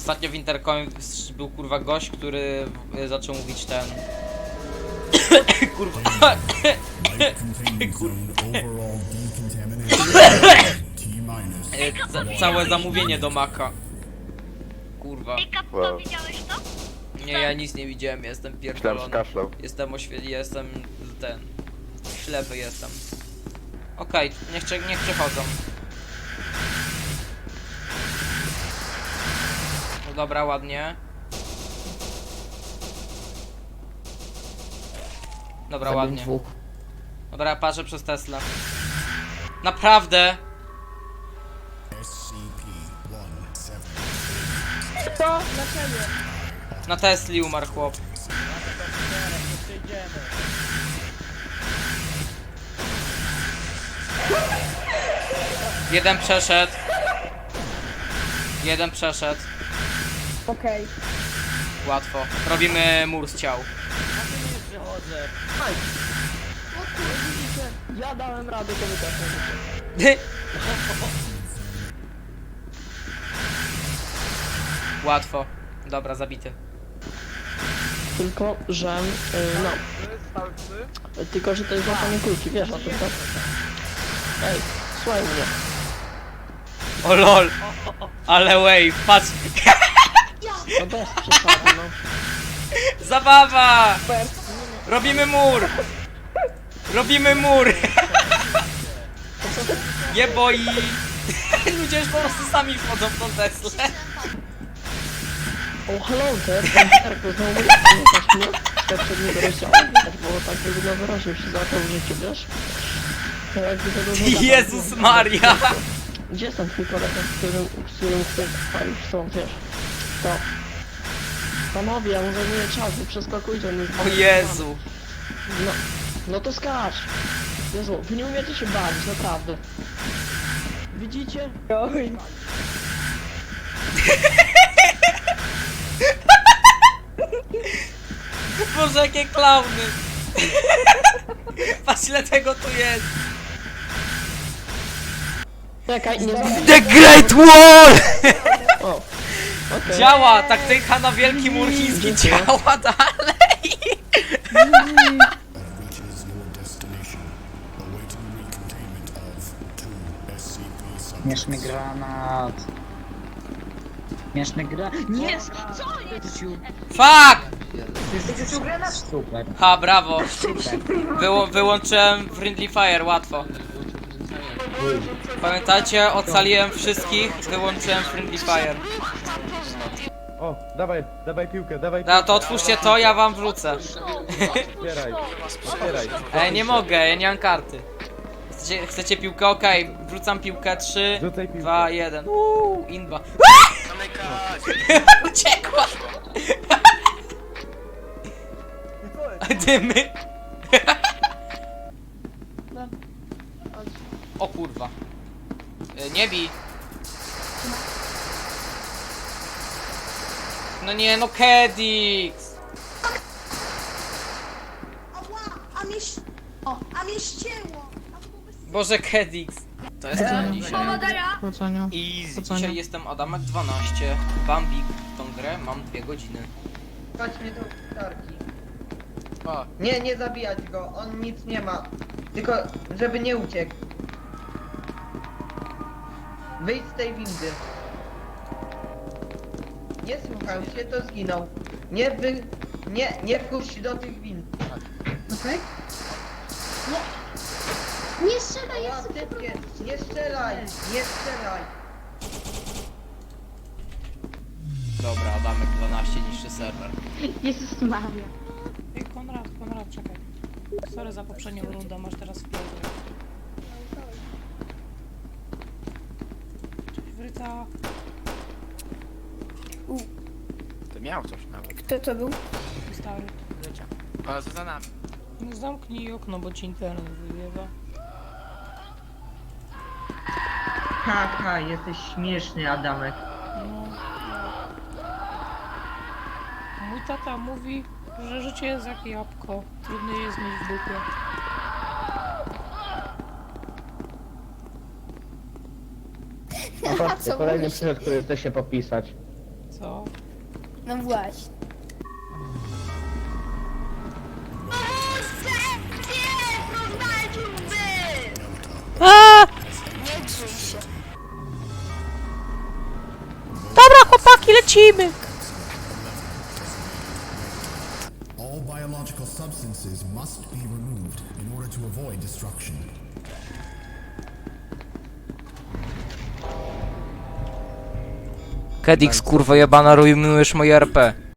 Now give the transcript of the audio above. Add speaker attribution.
Speaker 1: Ostatnio w Intercomie był kurwa gość, który zaczął mówić ten... kurwa... Całe zamówienie do Maka. Kurwa.
Speaker 2: Wow. Widziałeś to?
Speaker 1: Nie, ja nic nie widziałem, jestem pierdolony.
Speaker 2: Kaszlał.
Speaker 1: Jestem ten... ślepy jestem. Okej, niech przechodzą. No dobra, ładnie. Dobra, ładnie. Dobra, ja patrzę przez Tesla. Naprawdę?
Speaker 3: Co? Dlaczego?
Speaker 1: Na Tesli umarł chłop. Jeden przeszedł. Jeden przeszedł.
Speaker 3: Okej.
Speaker 1: Łatwo. Robimy mur z ciał.
Speaker 3: Aj. O kurde, widzicie? Ja dałem radę, to wy też możecie.
Speaker 1: Łatwo. Dobra, zabity.
Speaker 3: Tylko, że... no. Tylko, że to jest złapanie kulki, wiesz o tym, tak? Ej, słuchaj mnie.
Speaker 1: O lol. Ale wave, patrz.
Speaker 3: No bez przesady, no.
Speaker 1: Zabawa! Robimy mur! Robimy mur! Nie boi! Ludzie już po prostu sami wchodzą w tą Teslę.
Speaker 3: O, hello there, Erko, znowu pamiętasz mnie? Jak przed niego rozdziałem, bo tak jakby na wyraźnie się zaczął w życiu, wiesz? To jakby to dużo
Speaker 1: Jezus Maria!
Speaker 3: Gdzie jest ten twój kolega, z którym chcesz palić są, wiesz? To. Panowie, ja mu zajmuję czas, wy przeskakujcie, on jest
Speaker 1: O Jezu!
Speaker 3: No, no to skacz! Jezu, wy nie umiecie się bawić, naprawdę. Widzicie? Oj.
Speaker 1: Boże, jakie klauny! Patrz ile tego tu jest!
Speaker 3: Czekaj, nie zabij.
Speaker 1: The Great Wall!
Speaker 3: O, okej.
Speaker 1: Działa! Taktyka na wielki mur chiński
Speaker 3: Dziękuję.
Speaker 1: działa dalej!
Speaker 4: Śmieszny granat. Śmieszny granat. Nie! Co jest?
Speaker 1: Fuck!
Speaker 4: Super.
Speaker 1: Ha, brawo! Wyłączyłem Friendly Fire, łatwo. Pamiętacie, ocaliłem wszystkich, wyłączyłem Friendly Fire.
Speaker 5: O, dawaj piłkę, dawaj piłkę.
Speaker 1: No to otwórzcie to, ja wam wrócę.
Speaker 5: Otwieraj.
Speaker 1: Ej, nie mogę, ja nie mam karty. Chcecie piłkę? Okej, wrzucam piłkę, 3,
Speaker 5: Rzucaj piłkę.
Speaker 1: 2, 1. Inba. Uciekła! Dymy. O kurwa. Nie bij. No nie, no Kedix.
Speaker 6: Ała, a mnie ścięło!
Speaker 1: Boże, Kedix. To jest to dzisiaj.
Speaker 3: Powodzenia.
Speaker 1: I dzisiaj jestem Adamek 12. Bambik w tą grę mam 2 godziny.
Speaker 7: Chodź mnie do tarki.
Speaker 1: O,
Speaker 7: Nie zabijać go, on nic nie ma. Tylko, żeby nie uciekł. Wyjdź z tej windy. Nie słuchał się, to zginął. Nie wpuść do tych wind.
Speaker 6: Okej? Nie strzelaj,
Speaker 7: Ja
Speaker 6: jest
Speaker 7: typie, nie strzelaj, nie strzelaj.
Speaker 1: dobra, Adamek 12 niższy serwer.
Speaker 6: Jezus Maria.
Speaker 8: Ej, Konrad, czekaj. Sorry za poprzednią rundę, masz teraz wpierdol. Cześć, Wryta.
Speaker 9: To miał coś nawet.
Speaker 6: Kto to był?
Speaker 8: Stary.
Speaker 9: Ale co za nami?
Speaker 8: No zamknij okno, bo ci internet wyjewa.
Speaker 7: Haha, jesteś śmieszny, Adamek.
Speaker 8: No. Mój tata mówi, że życie jest jak jabłko. Trudno je jest mieć w dupie.
Speaker 3: A patrzcie, kolejny przyszedł, który chce się popisać.
Speaker 8: Co?
Speaker 6: No właśnie.
Speaker 8: Dobra, chłopaki, lecimy!
Speaker 2: All biological substances must be removed in order to avoid destruction.
Speaker 1: Kedix, kurwa jebana, rujnujesz moje RP.